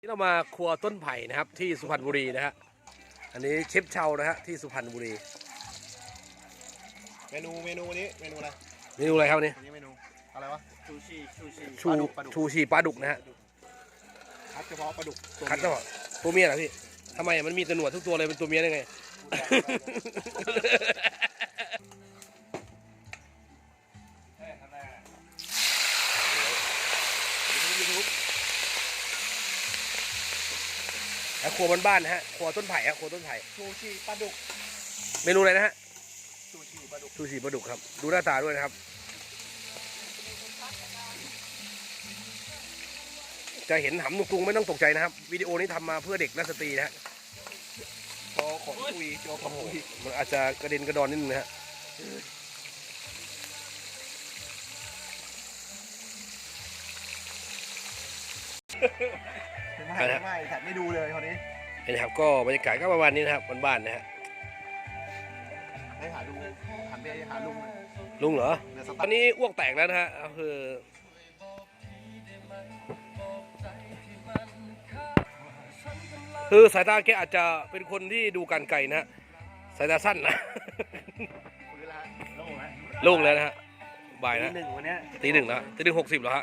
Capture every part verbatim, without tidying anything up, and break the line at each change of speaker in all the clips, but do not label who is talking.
เรามาครัวต้นไผ่นะครับที่สุพรรณบุรีนะฮะอันนี้เชฟเชานะฮะที่สุพรรณบุรี
เมนูเมนูนี้เมนูอะไร
เมนูอะไรครับนี่
อันนี้เมนูอะไรวะชูชีชูชี
ชูชูชีปลาดุกนะฮะ
คัดเฉพาะปลาดุก
คัดเฉพาะตัวเมียเหรอพี่ทำไมมันมีแต่หนวดทุกตัวเลยเป็นตัวเมียได้ไงครัวบ้านๆนะฮะครัวต้นไผ่ฮะครัวต้นไผ่
ชูชีปลาดุก
เมนูอะไรนะฮะ
ชูชีปลาดุก
ชูชีปลาดุกครับดูหน้าตาด้วยนะครับจะเห็นหำตุงๆไม่ต้องตกใจนะครับวิดีโอนี้ทำมาเพื่อเด็กและสตรีนะฮะ
โชว์ขนคุยโชว์ขนคุย
มันอาจจะกระเด็นกระดอนนิดนึงนะฮะ
ไม่ไม่แถบไม่ดูเลยคนนี้
เห็นครับก็บรรยากาศก็ประมาณนี้นะครับบ้านๆนะฮะ
ให้หาดูหันไปหาลุง
ลุงเหรอตอนนี้อ้วกแตกแล้วนะฮะคือคือสายตาแกอาจจะเป็นคนที่ดูการไกลนะฮะสายตาสั้นนะโล่งแล้วนะฮะบ่ายนะตีหนึ่งแล้วตีหนึ่งหกสิบแล้วฮะ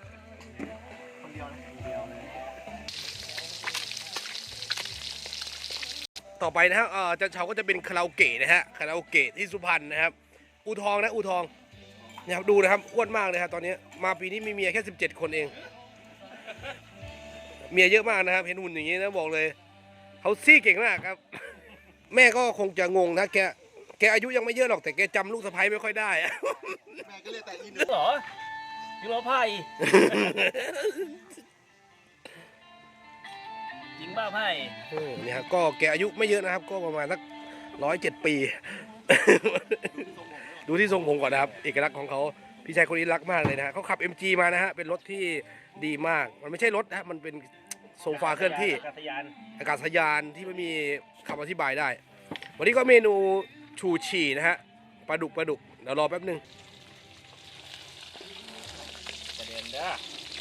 ต่อไปนะฮะจันเฉาก็จะเป็นคาราโอเกะนะฮะคาราโอเกะที่สุพรรณนะครับอูทองนะอูทองนะครับดูนะครับอ้วนมากเลยครับตอนนี้มาปีนี้มีเมียแค่สิบเจ็ดคนเองเมียเยอะมากนะครับเห็นหุ่นอย่างนี้นะบอกเลยเขาซี่เก่งมากครับแม่ก็คงจะงงนะแกแกอายุยังไม่เยอะหรอกแต่แกจำลูกสะใภ้ไม่ค่อยได้
แม่ก็เรียกแต่อีนึ
งเหรอยูโรไพ่ยิงบ้าไพ่
เนี่ยครับก็แกอายุไม่เยอะนะครับก็ประมาณสักร้อยเจ็ดปีดูที่ทรงผมก่อนนะครับเอกลักษณ์ของเขาพี่ชายคนนี้รักมากเลยนะฮะเขาขับ เอ็ม จี มานะฮะเป็นรถที่ดีมากมันไม่ใช่รถนะมันเป็นโซฟาเคลื่อนที่
อากาศยาน
อากาศยานที่ไม่มีคำอธิบายได้วันนี้ก็เมนูชูชีนะฮะปลาดุกปลาดุกเดี๋ยวรอแป๊บนึง
ประเด็นเด้อ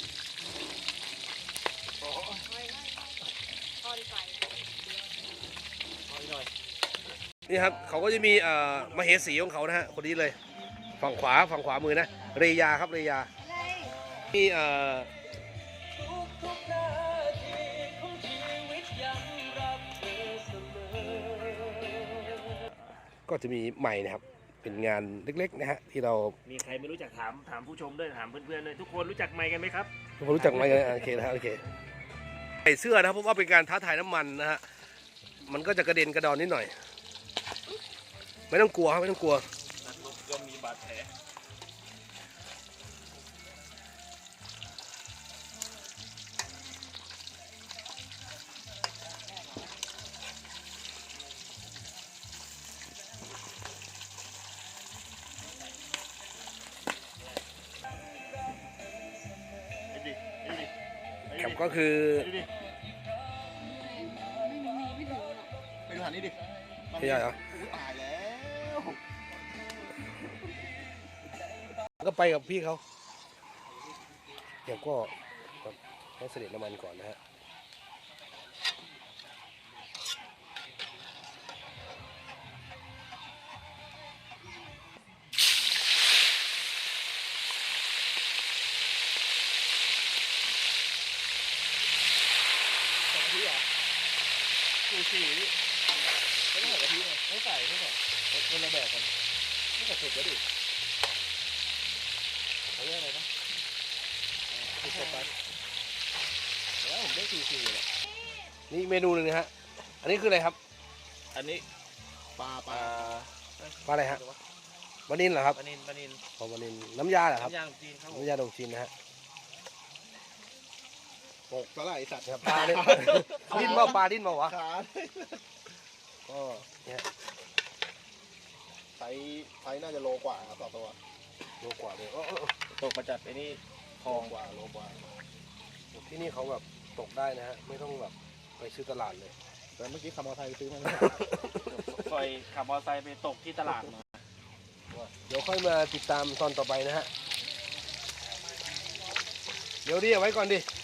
นี่ครับเขาก็จะมีเอ่อมเหสีของเขานะฮะคนนี้เลยฝั่งขวาฝั่งขวามือนะเรยาครับเรยามีเอ่อก็จะมีใหม่นะครับเป็นงานเล็กๆนะฮะที่เรา
มีใครไม่รู้จักถามถามผู้ชมด้วยถามเพื่อนๆด้วยทุกคนรู้จักไมค์กันไหมครับ
ทุกคนรู้จักไมค์กันโอเคนะโอเคใส่เสื้อนะครับเพราะว่าเป็นการท้าทายน้ำมันนะฮะมันก็จะกระเด็นกระดอนนิดหน่อยไม่ต้องกลัวครับไม่ต้องกลัว
ก็มีบาดแผล
ครับก็คือ
ไปดูหันนี่ดิ
ไม่ใช่เหรอ
ตายแล้ว
ก็ไปกับพี่เขาเดี๋ยวก็ต้องเสด็จน้ำมันก่อนนะฮะ
ชูชีไม่ต้องใส่กะทิไงไม่ใส่ไม่ใส่คนละแบบกันไม่ใส่เผ็ดก็ดิเขาเรียกอะไรนะชูชีไปแล้วผมได้ชูชีเลย
นี่เมนูหนึ่งนะฮะอันนี้คืออะไรครับ
อันนี้
ปลาปลา
ปลาอะไรฮะปลานิลเหรอครับ
ปลานิลปลานิล
ปลานิลน้ำยาเหรอครับ
น้ำยาดองจีนครับ
น้ำยาดองจีนนะฮะ
ปกสลายสัตว์
ปลาเนี่ยดิ้นมาปลาดิ้นมาวะก็เนี่ย
ไซส์ไซส์น่าจะโลกว่าต่อตัว
โลกว่าเลย
ตกมาจัดไอ้นี่
ทองกว่าโลกว่า
ที่นี่เขาแบบตกได้นะฮะไม่ต้องแบบไปซื้อตลาดเลย
แต่เมื่อกี้ขับมอเตอร์ไซค์ซื้อมา
คอยขับมอเตอร์ไซค์ไปตกที่ตลาดมา
เดี๋ยวค่อยมาติดตามตอนต่อไปนะฮะเดี๋ยวดิเอาไว้ก่อนดิ